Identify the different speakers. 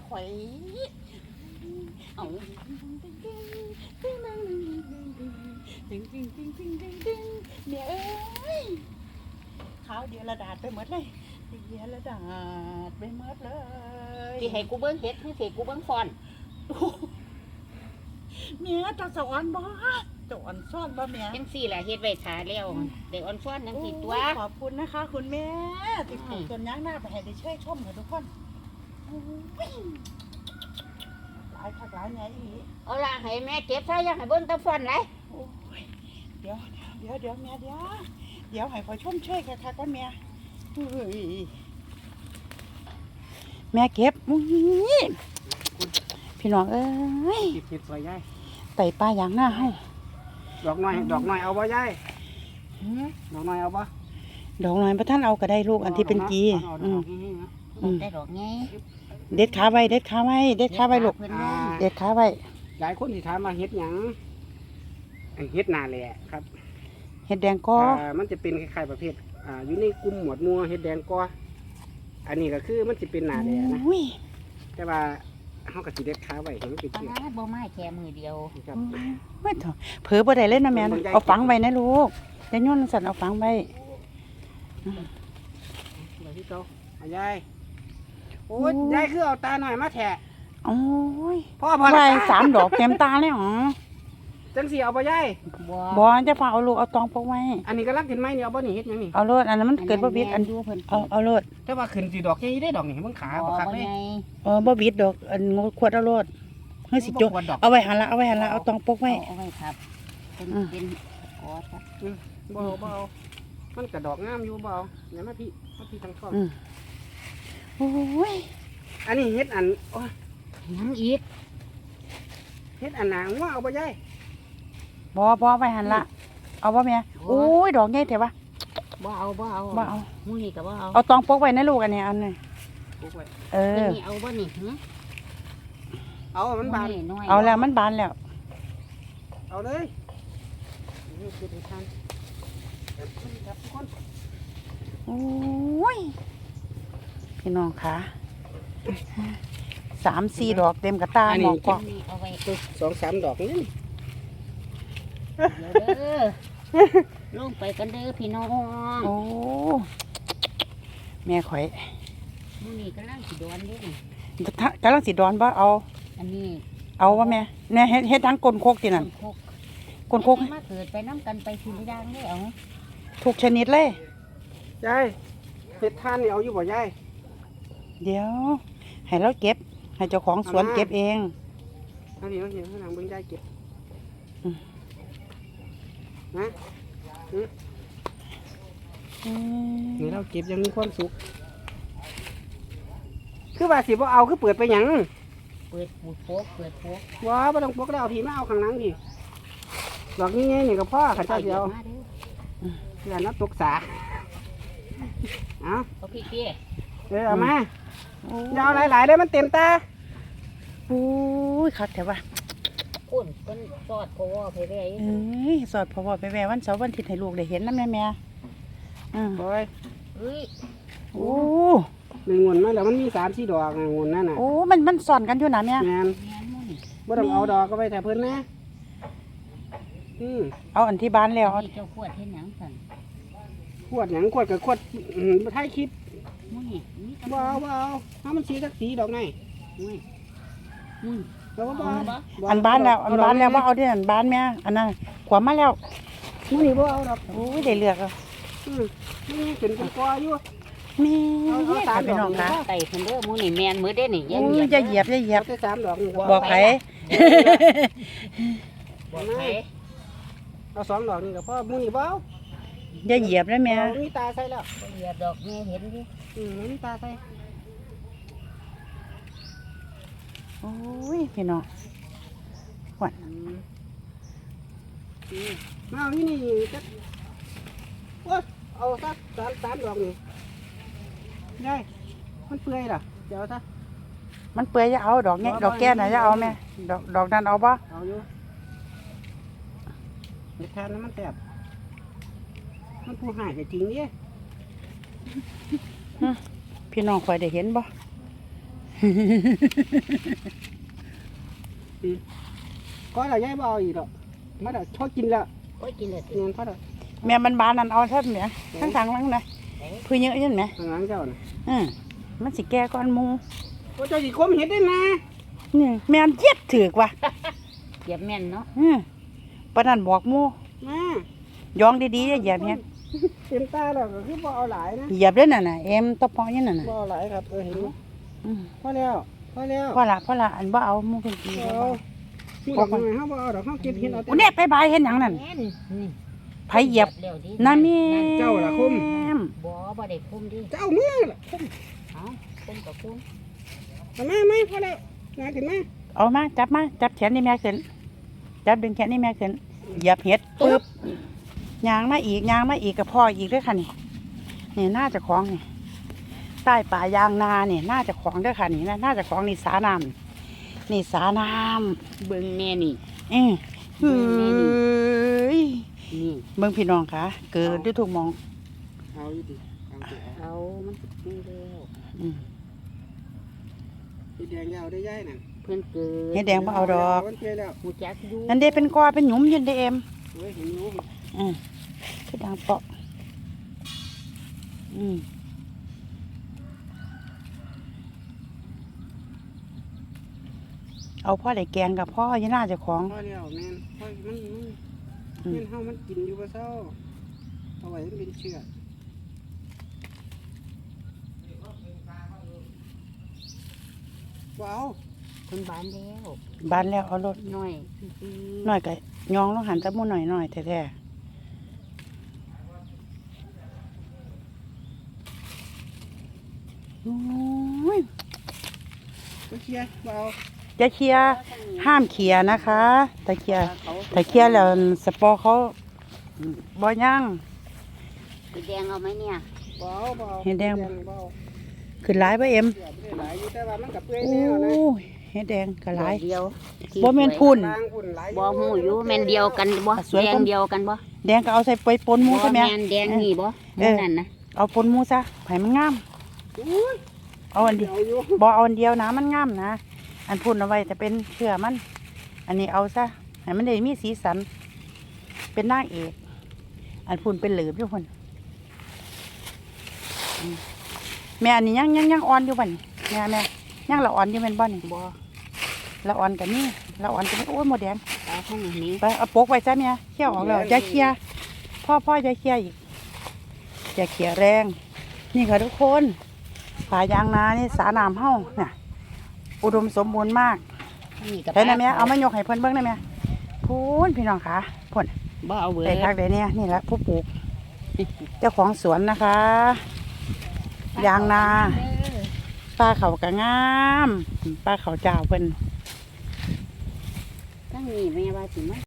Speaker 1: ข่อยเอาเมียเอ้ยขาวเดียวระดาษไปหมดเลยเดียวระดาษไปหมดเลย
Speaker 2: ที่ให้กูเบิ้งเฮ็ดที่ให้กูเบิ้งฟอน
Speaker 1: เมียจะสอนบ่จะอ่อนซ่อนบ่เมีย
Speaker 2: จังซี่ล่ะเฮ็ดไว้ทาแล้วเด็กอ่อนฟ้อนจังซี่ตัว
Speaker 1: ขอบคุณนะคะคุณแม่ติดปลูกต้นยางหน้าไปให้ได้ช่วยชมค่ะทุกคนหลายผักหลายไงอี
Speaker 2: เอาล่ะให้แม่เก็บซะยังให้เบิ้งแตะฟอนเลย
Speaker 1: เดี๋ยวแม่เดี๋ยวให้ขอชมช่วยค่ะก้อนแม่แม่เก็บพี่น้องเอ้ย
Speaker 3: เก็บสวยยาย
Speaker 1: ไต่ปลาอย่างหน้าให้
Speaker 3: ดอกน้อยเอาบ่ยายดอกน้อยเอาบ่
Speaker 1: ดอกน้อยพระท่านเอาก็ได้ลูกอันที่เป็นกี
Speaker 2: ได้ดอกไง
Speaker 1: เด็ดขาไว้ลูกเด็ดขาไว้เด็ดขาไว้
Speaker 3: หลายคนที่ถามมาเฮ็ดหยังเฮ็ดนาแหละครับ
Speaker 1: เฮ็ดแดงก้อ
Speaker 3: มันจะเป็นคล้ายๆประเภทอยู่ในกลุ่มหมวดหมู่เฮ็ดแดงก้ออันนี้ก็คือมันจะเป็นนาแหละนะแต่ว่าเฮาก็สิเด็ดขาไว้ให้มันเป็น
Speaker 2: ที่บ่ไม้แค่มือเดียว
Speaker 3: ครับ
Speaker 1: ไม่ถอเผลอบ่ได้เล่นนะแม่เอาฝังไว้นะลูกจะย้อนสั่นเอาฝังไว้
Speaker 3: เดี๋ยวที่เก่ายายโอ้ยยายคือเอาตาหน่อยมาแทะ
Speaker 1: โอ้ย
Speaker 3: พ่อพอ
Speaker 1: ละ3 ดอกเต็มตาเลยหรอ
Speaker 3: จังสิเอาบ่ยาย
Speaker 1: บ่จะฝากเอาลูกเอาตองพกไว้
Speaker 3: อันนี้กำลังขึ้นไม้นี่เอาบ่นี่เฮ็ดหยังนี่
Speaker 1: เอาโลดอันนั้นมันเกิดบ่บิดอันเอาโลด
Speaker 3: แต่ว่าขึ้นสิดอกใหญ่ได้ดอกนี่เบิ่งขาบ่คักเลย
Speaker 1: บ่บิดดอกอันขวดเอาโลดเฮ้ยสิจกเอาไว้หันละเอาตองพกไว้
Speaker 2: เอาไว้ครับเป็นกอดครับ
Speaker 3: บ่เอามันกระดอกงามอยู่บ่เอาเดี๋ยวมาพี่ทางช่อง
Speaker 1: โอ้ย
Speaker 3: อันนี้เฮ็ดอัน
Speaker 2: ยังอีก
Speaker 3: เฮ็ดอันหนางว่าเอาบ่ยาย
Speaker 1: บ่ไว้หันละเอาบ่แม่โอ้ยดอกใหญ่แท้วะ
Speaker 2: บ่เอามื้อนี้ก็บ่
Speaker 1: เอาตองพกไว้นะลูกอันนี้อันนี้
Speaker 3: พกไว้
Speaker 2: นี่เอาบ่นี่
Speaker 3: เอามันบาน
Speaker 1: เอาแล้วมันบานแล้ว
Speaker 3: เอาเลยนี่คือทานครับทุกคน
Speaker 1: โอ้ยพี่น้องคะ3-4 ดอกเต็มกระตาหมอกกว่า
Speaker 2: เอาไว้
Speaker 3: 2-3 ดอกนี่
Speaker 2: ลงไปกันเด้อพี่น้อง
Speaker 1: โอ้แม่ข่อย
Speaker 2: มื้อนี้กำลังสิดอนเด้
Speaker 1: กำลังสิดอนบ่เอา
Speaker 2: อันนี้
Speaker 1: เอาว่าแม่เนี่ยเฮ็ดทั้งก้นโคกตินั่นก้นโคก
Speaker 2: มาเกิดไปน้ำกันไปทีละอย่างได้เอา
Speaker 1: ทุกชนิดเลย
Speaker 3: ยายเฮ็ดทานนี่เอาอยู่บ่ยาย
Speaker 1: เดี๋ยวให้เราเก็บให้เจ้าของสวนเก็บเอง
Speaker 3: อันนี้เห็นข้างหลังเบิ่งยายเก็บนะนี่เราเก็บยังมีความสุขคือว่าสิบ่เอาคือเปิดไปหยัง
Speaker 2: เปิดโป๊ก
Speaker 3: ว้าบ่ต้องปกแล้วพี่มาเอาข้างหลังดิดอกนี้ไงนี่ก็พ่อขันเจ้าเดียวเพื่อนนับตกสา
Speaker 2: เอาพี่เตี้ย
Speaker 3: เอามาเดี๋ยวหลายๆเลยมันเต็มตา
Speaker 1: โอ้ยคักแต่ว่า
Speaker 2: คุณเป็นสอดพอวไปแว่
Speaker 1: สอดพอวไปแว่วันเสาร์วันอาทิตย์ให้ลูกได้เห็นนะแม่
Speaker 3: โอ้ย
Speaker 1: โอ้
Speaker 3: หนึ่งงวดมาแล้วมันมี3-4 ดอกงวดนั่นน่ะ
Speaker 1: โอ้มันสอนกันอยู่นะแม่
Speaker 3: แม่นบ่ต้องเอาดอกก็ไปแต่เพิ่นนะ
Speaker 1: เอาอันที่บ้านแล้ว
Speaker 2: เจ้าขวดเห็นหยังสั่น
Speaker 3: ขวดหยังขวดกับขวดท้ายคลิปบ่เอาถ้ามันสีสักสีดอกไง
Speaker 1: อันบ้านแล้วว่าเอาที่อันบ้านแม่อันนั้นขวามาแล้ว
Speaker 3: นี่บ่เอาดอก
Speaker 1: โอ้ยได้เลือกอ่ะ
Speaker 3: นี่เป็นกออยู่
Speaker 1: มีตาพี่น้องค่ะ
Speaker 2: ไต่เพิ่นเด้อมื้อนี้แม่นมื้อเด้นี่
Speaker 1: อย่าเหยียบ
Speaker 3: ได้3 ดอก
Speaker 1: บอกไผ
Speaker 3: เอา2 ดอกนี่ก็พอมื้อนี้บ่เอา
Speaker 1: อย่าเหยียบนะแม่
Speaker 3: มีตาใส่แล้ว
Speaker 2: เหยียบดอกแม่เห็นดิ
Speaker 3: มีตาใส่
Speaker 1: โอ้ยพี่น้องหวาน
Speaker 3: มาเอานี่จักเอาสัก3 ดอกนี่ยายมันเปื่อยล่ะเดี๋ยวซะ
Speaker 1: มันเปื่อยจะเอาดอกดอกแก้น่ะจะเอาแม่ดอกนั้นเอาปะ
Speaker 3: เอาอยู่เห็ดทานมันแซ่บมันผู้หายจะทิ้งเนี่ย
Speaker 1: พี่น้องคอยได้เห็นบ่
Speaker 3: ก็เราย้ายบ่เอาอีกหรอกมาเดี๋ยวชอบกินแล้ว
Speaker 2: โอ้ยกินเลย
Speaker 3: เงินพอเดี๋ยว
Speaker 1: แม่มันบานนั่นเอาเท่าเนี้ยทั้งทางหลังนะคือเยอะยันไหม
Speaker 3: ทางหลังเจ้าน่ะ
Speaker 1: มันสิแก่ก้อนหมู
Speaker 3: โอ้เจ้าสิคมเห็ดได้นะ
Speaker 1: นี่แม่นเย็ดถือกว่ะ
Speaker 2: เหยียบแม่นเนาะ
Speaker 1: ปานนั้นบอกหมู
Speaker 3: มา
Speaker 1: ย้องดีๆอย่าเหยียบเฮ็ด
Speaker 3: เต็มตาแล้วก็คือบ่เอาหลายนะ
Speaker 1: เหยียบเด้อนั่นน่ะเอ็มตะปอยันนั่นน่ะ
Speaker 3: บ่เอาหลายครับเห็นไหม
Speaker 1: อืม
Speaker 3: พอแล้วพอแล้ว
Speaker 1: พอละอันบ่เอาหมูเป็นปี
Speaker 3: เอาผู้ดอกไม้เฮาบ่เอาดอกเฮาเก็บเห็ดเอาแต่
Speaker 1: อุ้เนี่ยไปบายเฮ็ดหยังนั่น
Speaker 2: แม่นนี่
Speaker 1: ไผเหยียบ
Speaker 2: เร็วดิ
Speaker 1: นั่นแม่
Speaker 3: เจ้าล่ะคุ้ม
Speaker 2: บ่ได้คุ้มดิ
Speaker 3: เจ้ามือล่ะคุ้ม
Speaker 2: เอาคุ้มกับคุ้ม
Speaker 3: เอามาไหมพอแล้วงานขึ้นมา
Speaker 1: เอามาจับแขนนี่แม่ขึ้นจับดึงแขนนี่แม่ขึ้นเหยียบเฮ็ดปึ๊บยางมาอีกกับพ่ออีกเด้อค่ะนี่น่าจะของนี่ใต้ป่ายางนาเนี่ยน่าจะของเด้อค่ะนี่น่าจะของนี่สาน้ำนี่สาน้ำ
Speaker 2: เบิ่งแม่นี่
Speaker 1: เอ้ยเฮ้ย
Speaker 2: นี่
Speaker 1: เบิ่งพี่น้องค่ะเกิดด้วยทุกหมอง
Speaker 3: เอาอยู่ดิเอาสิเอา
Speaker 2: เอามันนี่แล้ว
Speaker 1: อืม
Speaker 3: เฮ็ดแดงยาวได้ย้ายนั่น
Speaker 2: เพิ่นเกิด
Speaker 1: เฮ็ดแดงบ่เอาดอก
Speaker 3: มันเปรี้ยวแล้ว
Speaker 2: หูจักอยู่
Speaker 1: นั่นเด้เป็นกอเป็นหยุมอยืนเด้เอ็ม
Speaker 3: เฮ้ยเห็นอยู่
Speaker 1: คือดังเปาะเอาพ่อได้แกงกับพ่ออยังน่าจะของ
Speaker 3: พอแล้วแม่นพอมัน
Speaker 1: อืม
Speaker 3: แม่นเฮามันกินอยู่บ่เซาเอาไว้มันเป็นเชื้อบ่เอา
Speaker 2: เพิ่นบานแล้ว
Speaker 1: บานแล้วเอารถ
Speaker 2: น้อย
Speaker 1: หน่อยก็ยองลงหันตะมูหน่อยแท้ๆโอ้ย
Speaker 3: บ่เคลียร์บ่เอา
Speaker 1: จะเคลียร์ห้ามเขี่ยนะคะแต่เคลียร์แล้วสปอร์เขาบ่ย่าง
Speaker 2: เฮ็ดแดงเอาไหมเนี่ย
Speaker 3: บ่เอาบ่เอา
Speaker 1: เห็ดแดง
Speaker 3: บ่เอา
Speaker 1: ขึ้นหลายบ่เอ็ม
Speaker 3: เสียบ่ได้หลายอยู่แต่ว่ามันก็เปื่อย
Speaker 1: โอ้
Speaker 3: แนวนะ
Speaker 1: ยเฮ็ดแดงก็หลาย
Speaker 2: ดอกเดียว
Speaker 1: บ่แม่นพุ่น
Speaker 3: บางพุ่นหลาย
Speaker 2: บ่ฮู้อยู่แม่นเดียวกันบ่
Speaker 1: สวย
Speaker 2: แด
Speaker 1: กว่า
Speaker 2: งเดียวกันบ่
Speaker 1: แดงก็เอาใส่ไปปนหมู
Speaker 2: บ่
Speaker 1: ใช่ไหม
Speaker 2: แม่นแดงนี่บ่หมูนั่นนะ
Speaker 1: เอาปนหมูซะไผ่มันงาม
Speaker 3: อุ้ย
Speaker 1: เอาอันเดียว
Speaker 3: เอาอยู่
Speaker 1: บ่เอาอันเดียวนะมันงามนะ อันพุ่นเอาไว้แต่เป็นเชื่อมัน อันนี้เอาซะให้มันได้มีสีสัน เป็นนางเอก อันพุ่นเป็นเหลือบอยู่พุ่นอืมแม่อันนี้ยังอ่อนอยู่บ่นี่แม่ยังละอ่อนอยู่แม่นบ่นี่
Speaker 2: บ่
Speaker 1: ละอ่อนกันนี่ละอ่อนกันนี่โอ้ยหมดแดง
Speaker 2: เอาข้างนี้
Speaker 1: ไปเอาปกไว้จ้ะเนี่ยเขี่ยวออกแล้วจะเคลียร์พ่อจะเคลียร์อีกจะเคลียร์แรง นี่ค่ะทุกคนป่ายางนานี่สาน้ำเฮาเนี่ยอุดมสมบูรณ์มาก
Speaker 2: นี่กับ
Speaker 1: ได้ไหมแม่เอามายกให้เพิ่นเบิ่งได้ไหมพูนพี่น้องค่ะพ่น
Speaker 2: บ่เอาเบิด
Speaker 1: ได้คักได้เนี่ยนี่แหละผู้ปลูก เจ้าของสวนนะคะยางนาปลาเขากะงามปลาเขาเจ้าเพิ่น
Speaker 2: ทั้งนี้แม่ว่าสิมา